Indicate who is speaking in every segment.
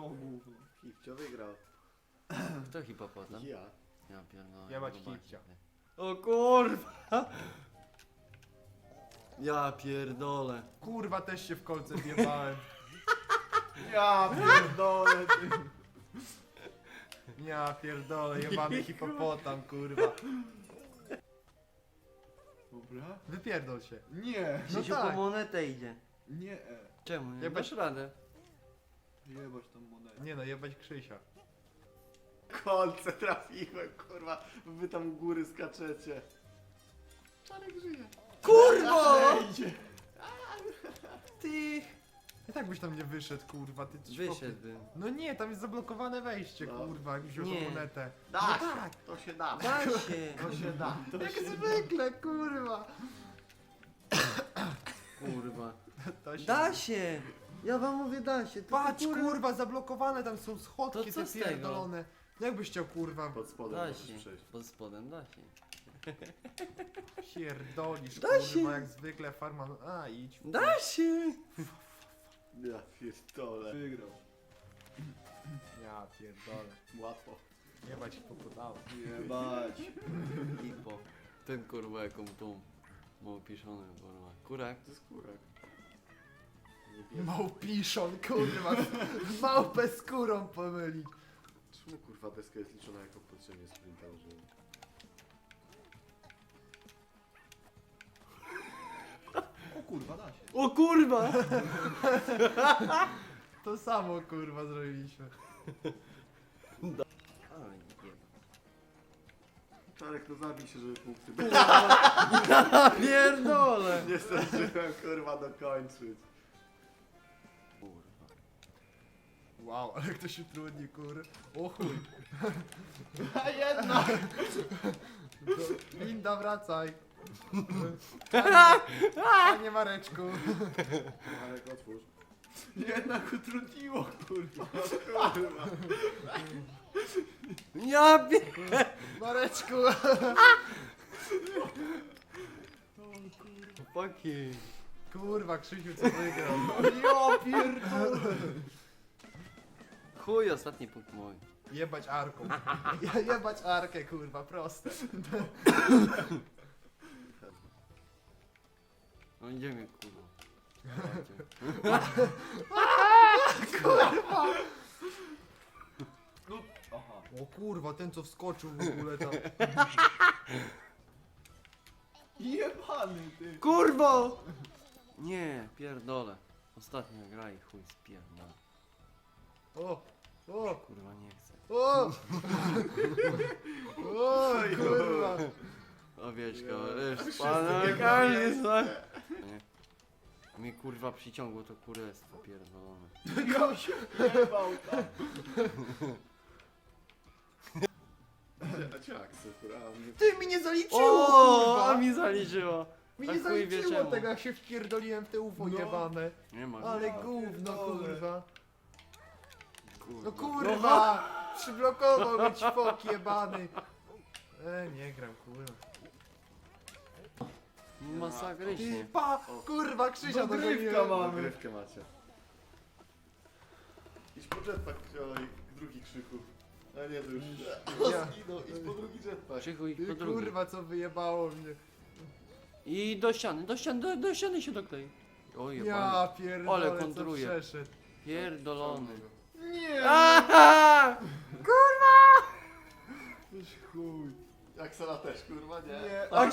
Speaker 1: gówno?
Speaker 2: Hipcio wygrał.
Speaker 3: Kto hipopotam?
Speaker 2: Ja.
Speaker 3: Ja pierdolę.
Speaker 1: Jebać
Speaker 3: zobaczcie.
Speaker 1: Hipcia.
Speaker 3: O kurwa! Ja pierdolę.
Speaker 1: Kurwa, też się w kolce wjebałem.
Speaker 2: Ja pierdolę, ty.
Speaker 1: Ja pierdolę, jebany hipopotam, kurwa.
Speaker 2: Dobra.
Speaker 1: Wypierdol się.
Speaker 2: Nie.
Speaker 1: No
Speaker 3: Krzysiu
Speaker 1: tak.
Speaker 3: po monetę idzie.
Speaker 2: Nie.
Speaker 3: Czemu? Nie
Speaker 1: Jebać-
Speaker 3: dasz radę.
Speaker 2: Jebać tą monetę.
Speaker 1: Nie no, jebać Krzysia.
Speaker 2: Kolce trafiłem, kurwa. Wy tam u góry skaczecie. Czarek żyje.
Speaker 3: Kurwa!
Speaker 2: Idzie.
Speaker 1: Ty! I tak byś tam nie wyszedł, kurwa, ty coś
Speaker 3: Wyszedłbym.
Speaker 1: No nie, tam jest zablokowane wejście,
Speaker 2: No.
Speaker 1: kurwa, jak wziął
Speaker 3: Nie.
Speaker 1: tą monetę.
Speaker 2: Da
Speaker 1: No
Speaker 2: się.
Speaker 1: tak.
Speaker 2: To się da.
Speaker 3: Da się!
Speaker 2: To się da. To
Speaker 1: Jak
Speaker 2: się
Speaker 1: zwykle, kurwa.
Speaker 3: Kurwa.
Speaker 1: To się...
Speaker 3: Da się! Ja wam mówię da się. To
Speaker 1: Patrz, kurwa, zablokowane tam są schodki,
Speaker 3: To co
Speaker 1: te
Speaker 3: z tego?
Speaker 1: pierdolone. Jakbyś chciał, kurwa,
Speaker 2: Pod spodem
Speaker 3: Da
Speaker 2: możesz
Speaker 3: się.
Speaker 2: przejść.
Speaker 3: Pod spodem da się.
Speaker 1: pierdolisz,
Speaker 3: Da
Speaker 1: kurwa,
Speaker 3: się.
Speaker 1: jak zwykle farma... A, idź.
Speaker 3: Da się!
Speaker 2: Ja pierdolę. Wygrał.
Speaker 1: Ja pierdolę.
Speaker 2: Łatwo.
Speaker 1: Jebać hipopotamu.
Speaker 2: Jebać.
Speaker 3: Hipo. Ten kurwa jaką tą małpiszony kurwa. Kurak.
Speaker 2: To jest kurek.
Speaker 1: Małpiszon, kurwa. Małpę skórą pomylić.
Speaker 2: Czemu kurwa deska jest liczona jako podziemie sprinta użyłem? O kurwa, da się.
Speaker 3: O kurwa!
Speaker 1: To samo, kurwa, zrobiliśmy.
Speaker 3: Oj, jeba.
Speaker 2: Czarek, to zabij się, żeby punkty
Speaker 3: Ja pierdolę!
Speaker 2: nie zdążyłem kurwa dokończyć.
Speaker 3: Kurwa.
Speaker 1: Wow, ale ktoś się trudni, kur. O chuj.
Speaker 2: A jednak!
Speaker 1: Linda, wracaj. Panie Mareczku.
Speaker 2: Czarek, otwórz. Jednak utrudniło kurwa. Kurwa.
Speaker 3: Ja pierdolę!
Speaker 1: Mareczku.
Speaker 3: Chłopaki.
Speaker 1: Kurwa, Krzysiu, co wygrał? Ja pierdolę.
Speaker 3: Chuj, ostatni punkt mój.
Speaker 1: Jebać arką. Jebać arkę, kurwa, proste.
Speaker 3: No idziemy kurwa.
Speaker 2: Aha.
Speaker 1: O kurwa, ten co wskoczył w ogóle tam.
Speaker 2: Jebany ty.
Speaker 3: Kurwo! Nie, pierdolę. Ostatnia gra i chuj spierdolę.
Speaker 1: O,
Speaker 3: Kurwa nie chcę.
Speaker 1: o, o, kurwa.
Speaker 3: Owieczka,
Speaker 2: Wszyscy
Speaker 3: ryż, pana,
Speaker 2: biegną
Speaker 3: każdy
Speaker 2: w
Speaker 3: zna.
Speaker 2: miejsce.
Speaker 3: Nie. Mnie kurwa przyciągło to kurestwo pierdolone.
Speaker 2: Ja się jebał tam. A ciaksy, kurwa.
Speaker 1: Ty mi nie zaliczyło,
Speaker 3: O,
Speaker 1: kurwa.
Speaker 3: a mi zaliczyło.
Speaker 1: Mi
Speaker 3: A
Speaker 1: nie
Speaker 3: chuj wie
Speaker 1: zaliczyło
Speaker 3: czemu.
Speaker 1: tego, jak się wpierdoliłem w te UFO
Speaker 2: No.
Speaker 1: jebane.
Speaker 3: Nie ma.
Speaker 1: Ale
Speaker 2: Ja
Speaker 1: gówno,
Speaker 2: pierdolę.
Speaker 1: kurwa.
Speaker 3: Kurwa.
Speaker 1: No kurwa, przyblokował mnie ćwok jebany. Nie gram, kurwa. Ty,
Speaker 3: Masakrycznie.
Speaker 1: pa, kurwa, Krzysia
Speaker 2: Dogrywka
Speaker 1: dogoniłem.
Speaker 2: mamy. Dogrywkę macie. Idź po jetpack, kolej, drugi krzyku. A nie, to już...
Speaker 1: Ja.
Speaker 2: Idź po drugi jetpack.
Speaker 3: Krzychu ich
Speaker 1: Ty,
Speaker 3: po drugi.
Speaker 1: kurwa, co wyjebało mnie.
Speaker 3: I do ściany, do ściany się doklei. Oj,
Speaker 1: Ja
Speaker 3: jebany.
Speaker 1: pierdolę,
Speaker 3: Ale
Speaker 1: co
Speaker 3: kontruje.
Speaker 1: przeszedł.
Speaker 3: Pierdolony.
Speaker 2: Nie!
Speaker 3: Aha!
Speaker 2: Już chuj. Aksela też, kurwa, nie?
Speaker 1: Nie.
Speaker 2: A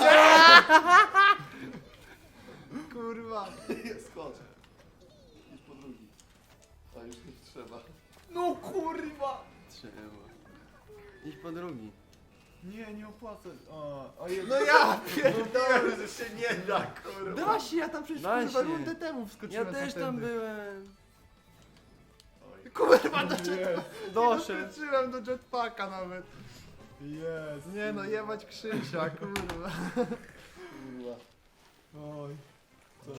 Speaker 1: Kurwa.
Speaker 2: skocz. Idź po drugi. A już nie trzeba.
Speaker 1: No kurwa.
Speaker 3: Trzeba. Idź po drugi.
Speaker 2: Nie, nie opłacę.
Speaker 1: No ja pierdolę.
Speaker 2: że się nie da, kurwa.
Speaker 1: Da się, ja tam przecież
Speaker 3: Da
Speaker 1: kurwa
Speaker 3: się.
Speaker 1: rundę temu
Speaker 3: Ja
Speaker 1: wskoczyłem.
Speaker 3: też tam
Speaker 1: tamtędy.
Speaker 3: byłem.
Speaker 2: Oj.
Speaker 1: Kurwa,
Speaker 2: Nie.
Speaker 3: Doszedł.
Speaker 1: doskoczyłem do jetpacka nawet. Jest. Nie no, jebać Krzysia, kurwa.
Speaker 2: Kurwa.
Speaker 1: Oj.